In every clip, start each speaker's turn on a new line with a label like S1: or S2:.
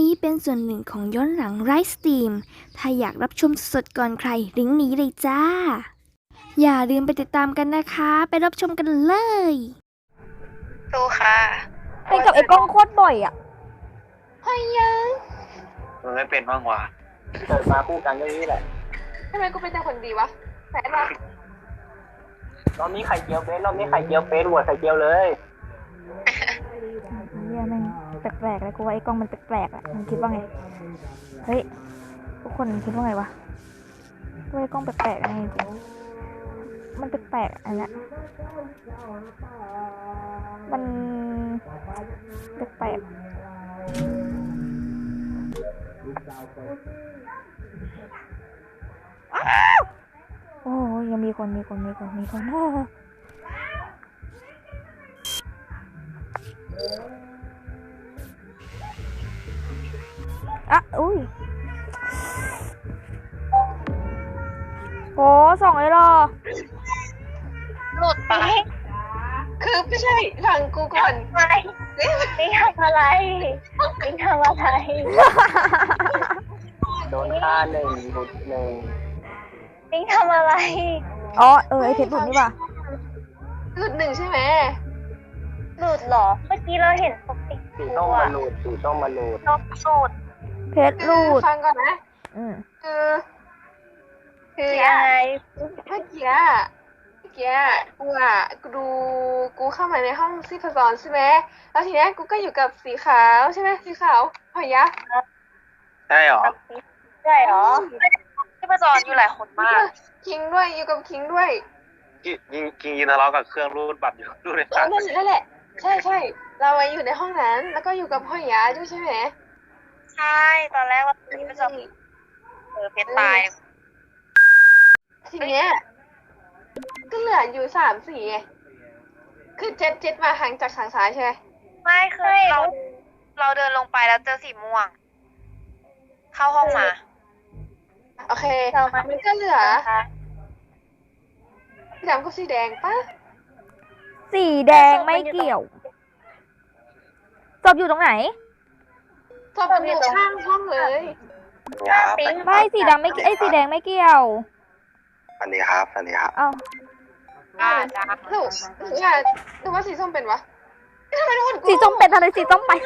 S1: นี้เป็นส่วนหนึ่งของย้อนหลังไลฟ์สตรีมถ้าอยากรับชมสดก่อนใครลิงก์นี้เลยจ้า อย่าลืมไปติดตามกันนะคะ ไปรับชมกันเลย
S2: ดูค่ะ
S3: เป็นกับไอ้กล้องโคตรบ่อยอ่ะ
S2: เฮ้ยยัง
S4: มันไม่เป็นบ้างวะ
S5: เกิดมาคู่กันก็นี้แหละ
S2: ทำไมกูเป็นแต่คนดีวะแฝงวะ
S5: รอบนี้ไข่เจียวเป็นรอบนี้ไข่เจียวเป็นหัวไข่เจียวเลย
S3: เฮียแม่งแปลกๆเลยกูว่าไอ้กล้องมันแปลกๆอ่ะมันคิดว่าไงเฮ้ยทุกคนคิดว่าไงวะว่าไอ้กล้องแปลกๆไงจริงมันแปลกๆอันเนี้ยมันแปลกๆโอ้ยยังมีคนอ่ะอุ้ยโหส่องเลยเหรอ
S2: หลุดไปคือไม่ใช่ฟังกูก่อน
S6: นี่ทำอะไรนี่ทำอะไร
S5: โดนฆ่าหนึ่งหลุดหนึ่ง
S6: นี่ทำอะไร
S3: อ๋อไอเพชรหลุดนี่ป่ะ
S2: หลุดหนึ่งใช่ไหม
S6: หลุดเหรอเมื่อกี้เราเห็นปกติ
S5: สีต้องมาหลุดสีต้องมาหลุด
S6: นกหลุด
S3: เพชรหลุด
S2: ฟังก่อนนะ
S6: คืออะไร
S2: เมื่อกี้กูเข้ามาในห้องซีพจรใช่ไหมแล้วทีนี้กูก็อยู่กับสีขาวใช่ไหมสีขาวพยัก
S4: ใช่หรอ
S6: ที่ประจรอยู่หลายคนมาก
S2: คิงด้วยอยู่กับคิงด้วย
S4: คิงยืนทะเลาะกับเครื่องรูดบัตรอยู่รูดในสาย
S2: นั่นแหละใช่เราอยู่ในห้องนั้นแล้วก็อยู่กับพ่อยาด้วยใช่ไหม
S6: ใช่ตอนแรกว่าที่ประจรเพชรตาย
S2: ทีเนี้ยก็เหลืออยู่3-4ไงคือเจ็ดมาห่างจากทางซ้ายใช่ไหม
S6: ไม่คือเราเดินลงไปแล้วเจอสีม่วงเข้าห้องมา
S2: โอเคมันก็เหลือสีดำกับสีแดงปะ
S3: สีแดงไม่เกี่ยวศพอยู่ตรงไหน
S2: ศพอยู่ข้างห้องเลย
S3: ไม่สีดำไม่สีแดงไม่เกี่ยว
S4: สวัสดีครับ
S3: อ้าว
S6: จ้า
S2: หรือว่าสีส้มเป็นวะทำไมทุกคน
S3: สีส้มเป็นอะไรสีส้มไป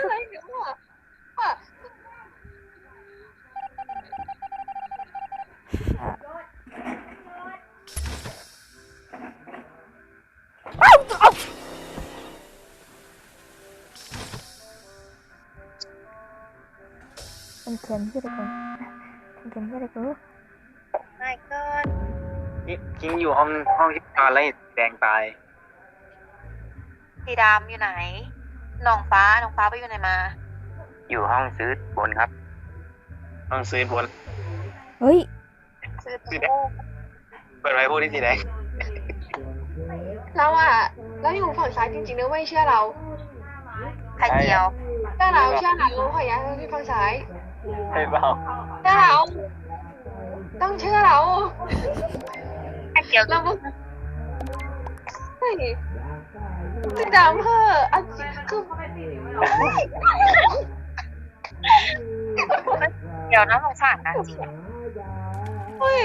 S3: เป็นเข็มที่ไหนกู
S6: ไม่เกิน
S4: คิงอยู่ห้องที่นอนแล้วแดงตาย
S6: สีดำอยู่ไหนน้องฟ้าไปอยู่ไหนมา
S4: อยู่ห้องซื้อบนครับห้องซื้อบน
S3: เฮ้ย
S6: ซื้อ
S4: สีแดงเปิดไว้พูดที่สีแดง
S2: เราอยู่ฝั่งซ้ายจริงๆนะไม่เชื่อเรา
S6: ไข่เจียว
S2: เชื่อเราพยักที่ฝั่งซ้าย
S4: ใช่เปล่า
S2: เชื่อเราต้องเชื่อเรา
S6: เกี่ยว
S2: เราเฮ้ยสีดำอันคือ
S6: เดี๋ยวนะสงสารนะจริง
S2: เฮ้ย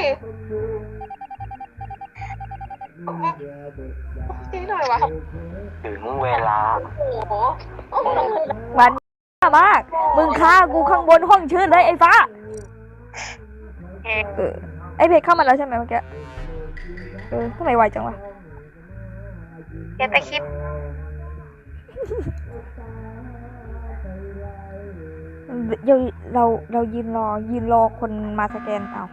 S2: จริงหน่อยวะ
S4: ถึงเวลา
S2: โอ้โห
S3: วันมากมึงฆ่ากูข้างบนห้องชื่นเลยไอ้ฟ้าไอ้เพชรเข้ามาแล้วใช่ไหมเมื่อกี้ทำไมไวจังวะ
S6: เก็บไปคิด
S3: เรายืนรอคนมาสแกนเอา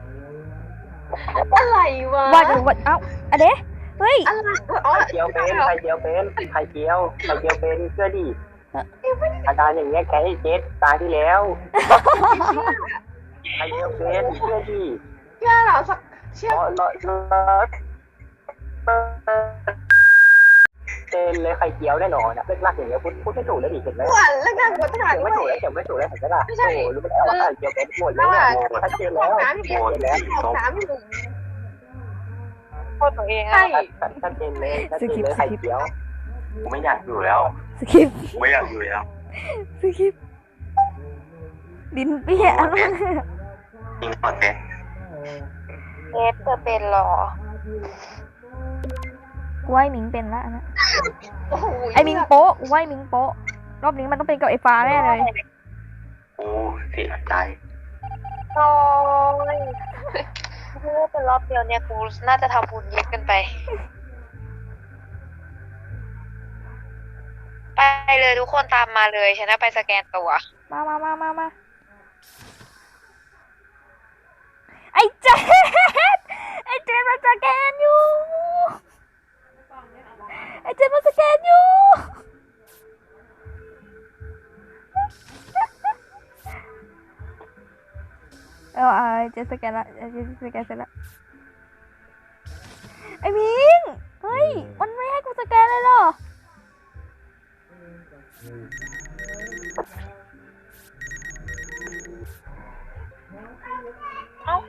S2: อะไรวะ
S3: ว่าเอ้าอะเด้เฮ้ย
S5: ไข่เจียวเป็นเชื่อดิอาการอย่างเงี้ยแกให้เจ็ดตายที่แล้วไข่เจียวเป็นเชื่อดิ
S2: เชื่อเราสักเชื่อ
S5: เป็นเลยไข่เจียวแน่นอนนะเลิกลักอย่างเงี้ยพูดไม่ถูกแล้วดิเห็นไหม
S2: เลิกลักหมดขนาด
S5: ไม่ถูกแล้วเห็นไหมล่ะโอ้รู้ไหมว่าไข่เจียวเป็นหมดแล้วชัดเจนแล้ว
S2: น้ำอยู่
S6: โทษตัวเอง
S5: ชัดเจนเลยไข่เจียว
S4: ผมไม่อยากอยู่แล้ว
S3: สกิป
S4: ไม่อยากอยู่แล้ว
S3: สกิปดินเปี้ย
S4: ยิงหมดเลย
S6: เอฟเธอเป็นเหรอ
S3: กูว่าไอ้หมิงเป็นละอันนะ
S2: โอ้โห
S3: ไอ้หมิงโป๊ะกูว่าไอ้หมิงโป๊ะรอบนี้มันต้องเป็นกับไอ้ฟ้าแน่เลย
S4: โอ้เสียใจ
S6: โอ้ยเมื่อเป็นรอบเดียวเนี่ยกูน่าจะทำบุญเยอะเกินไป ไปเลยทุกคนตามมาเลยฉันจะไปสแกนตัว
S3: มาไอ้เจ๊ไอ้เจ๊มันสแกนอยู่ไอ้เจ๊มันสแกนอยู่ไอ้เจ๊สแกนละไอ้เจ๊สแกนเสร็จละไอ้มิงเฮ้ยมันไม่ให้กูสแกนเลยเหรอ
S6: เอ้า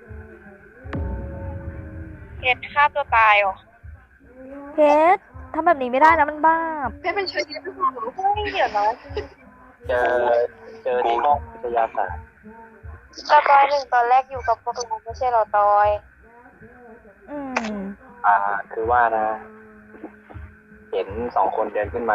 S6: เพชรฆ่าตัวตายเหรอ
S3: เพชรทำแบบนี้ไม่ได้นะมันบ้าป
S2: เพชรเป็นเชื้อที่ไม่พอหรอ
S6: เฮ้ยเดี๋ยวนะ
S5: เจอที่ห้องวิทยาศาสตร์
S6: ตาตอยหนึ่งตอนแรกอยู่กับพวกเราไม่ใช่เหรอตอย
S3: อืม
S5: คือว่านะ เห็น2 คนเดินขึ้นมา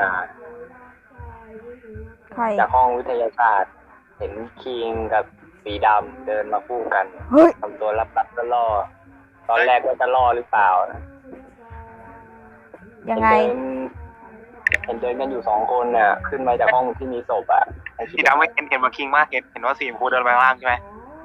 S3: ใคร
S5: จากห้องวิทยาศาสตร์ เห็นคิงกับสีดำเดินมาคู่กัน
S3: เฮ้ย
S5: ทำตัวรับๆล่อๆตอนแรกว่าจะล่อหรือเปล่านะ
S3: ยังไง
S5: เห็นเดินกันอยู่2 คนน่ะ ขึ้นมาจากห้องที่มีศพอ่ะ
S4: สีดำไม่เห็นว่าคิงมากเห็นว่าสีชมพูเดินไปข้างล่างใช่ไหม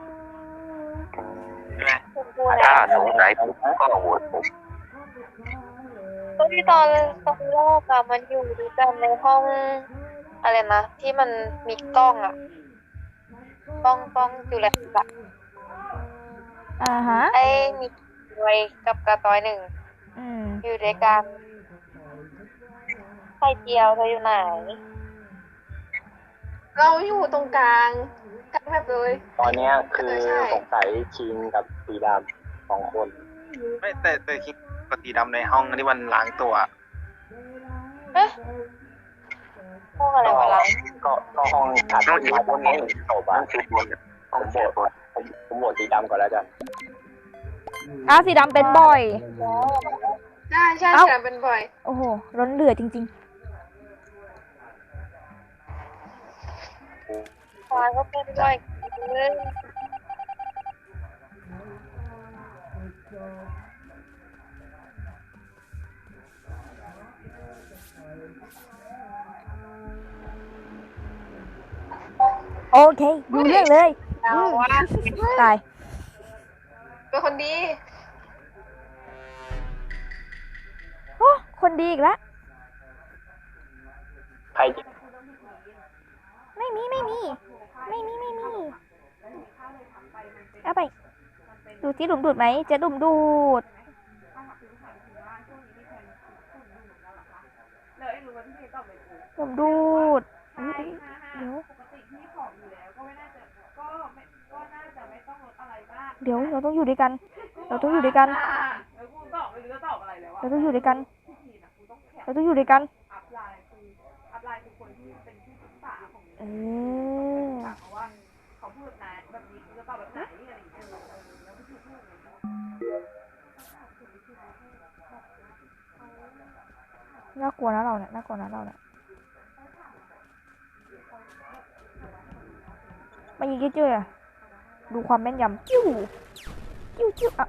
S4: ใช่ไหม
S6: คุณพูดอะไร
S4: ถ้าสงสัยผมก็โหวตผม
S6: ก็ที่ตอนแรกอะมันอยู่ด้วยกันในห้องอะไรนะที่มันมีกล้องอะกล้องจุลทรรศน์อะ
S3: ฮะ
S6: ไอ้มีไว้กับกระตอยหนึ่ง
S3: อืม
S6: อยู่ด้วยกันไข่เจียวเธออยู่ไหน
S2: เราอยู่ตรงกลางแบบเลย
S5: ตอนเนี้ยคือสงสัยคิงกับสีดำ2 คน
S4: ไม่แต่คิงกับสีดำในห้องที่มันล้างตัว
S6: เอ๊ะห้องอะไรวะล่ะ
S5: ก็ห้องถัด
S4: ต้อง
S5: มา
S4: ชุดบ
S5: ห้อง
S4: น
S5: นี้
S4: นี้
S5: ศพ
S4: ต้
S5: อ่ะ
S4: องชุดบน
S5: ผมโหวตสีดำก่อนแล้วกัน
S3: สีดำเป็นบ่อย
S2: ใช่ใช่
S3: เอ้า
S2: แต่เป็นบ่อย
S3: โอ้โหร้อนเหลือจริง
S6: ฟ้าก็เป็นด้วยเรื่อง
S3: ๆ โอเคดูเรื่องเลย
S6: เราว่า
S3: ตาย
S2: เป็นคนดี
S3: โอ้คนดีอีกแล้ว
S5: ใครจะ
S3: ไม่มีเอาไป ดูที่หลุมดูดไหมเจ๊หลุมดูด หลุมดูดอุ๊ยเดี๋ยวเราต้องอยู่ด้วยกัน เราต้องอยู่ด้วยกัน เราต้องอยู่ด้วยกัน เราต้องอยู่ด้วยกัน เออน่ากลัวนะเราเนี่ยน่ากลัวนะเราเนี่ยมายิงเยอะๆอะดูความแม่นยำจิ้วอ่ะ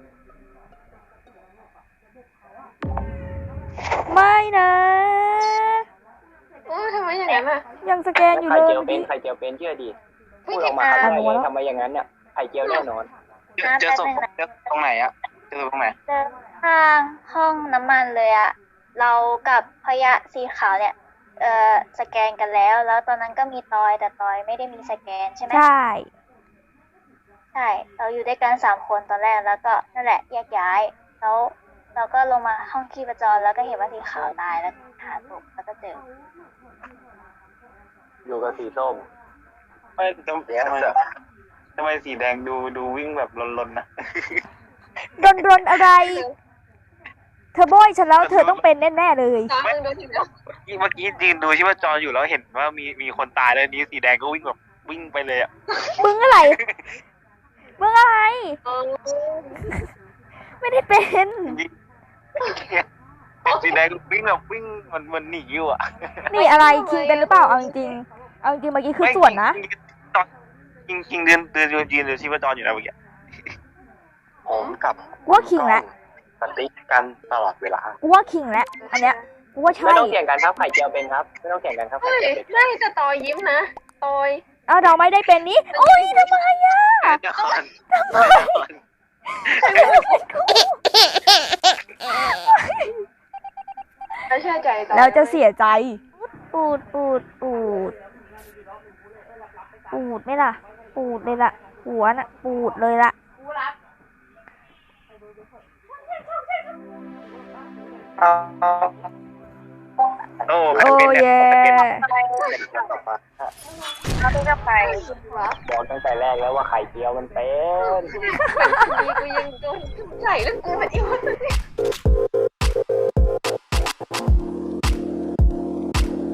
S3: ไม่นะ
S2: โอ้ยทำไมอย่างนั้นอ่ะ
S3: ยังสแกนอยู่
S5: ไข่
S3: เลย
S5: เจียว
S3: เมื่อ
S5: เป็น
S3: กี้
S5: ไข่เจียวเป็นเชื่อดิพูดออกมาทำไมทำไมอย่างนั้นเนี่ยไข่เจียวแน่นอน
S4: เจอศพตรงไหนอะเจอตรงไหน
S7: เดินข้างห้องน้ำมันเลยอะเรากับพยะสีขาวเนี่ย สแกนกันแล้ว แล้วตอนนั้นก็มีตอยแต่ตอยไม่ได้มีสแกนใช่ไหม
S3: ใช่
S7: ใช่ เราอยู่ด้วยกัน3 คนตอนแรกแล้วก็นั่นแหละแยกย้าย แล้วเราก็ลงมาห้องชีพจรแล้วก็เห็นว่าสีขาวตายแล้วหาศพแล้วก็เจอ
S5: อยู่กับสีส้ม
S4: ไม่ทำไมสีแดงดูวิ่งแบบลนๆนะ
S3: รนอะไร เธอโบยฉันแล้วเธอต้องเป็นแน่ๆเลย
S2: น้ำมึงโดนถึงแล้ว
S4: เมื่อกี้ยืนดูชีพจรอยู่แล้วเห็นว่ามีคนตายแล้วนี้สีแดงก็วิ่งแบบวิ่งไปเลยอ่ะ
S3: มึงอะไร มึงอะไร
S2: เออ
S3: ไม่ได้เป็น
S4: สีแดงวิ่งแบบวิ่งมันหนีอยู่อ่ะ
S3: นี่อะไรคิงเป็นหรือเปล่าเอาจริงๆเอาจริงๆเมื่อกี้คือส่วนนะ
S4: จริงเดินยืนดูชีพจรอยู่นะเมื่อกี้ผมกับ
S3: กูว่าคิงแล้ว
S4: สติ๊กกันตลอดเวลา
S3: กูว่าคิงแล้วอันเนี้ยกูว่าใช่
S5: ไม่ต้องเถียงกันครับไข่เจียวเป็นครับไม่ต้องเถียงกันครับไข่
S2: เฮ้ย
S5: เจียวเป็น
S2: ไม่แต่ตอยยิ้มนะตอย
S3: เอาเราไม่ได้เป็นนี้โอ้ยทำไมอ่ะ
S4: เดี๋ยวก่อน
S2: ไม่เชื่อใจตอย
S3: แล้วจะเสียใจ ปูดปูดปูดปูดไหม่ล่ะ ปูดเลยล่ะ หัวน่ะ ปูดเลยล่ะ
S4: โอ้
S3: โอ้เย่
S6: เขาไม่ต้องไป
S5: บอกตั้งแต่แรกแล้วว่าไข่เจียวมันเป็น
S2: กูยิงกูใส่แล้วกูเป็นอีวัน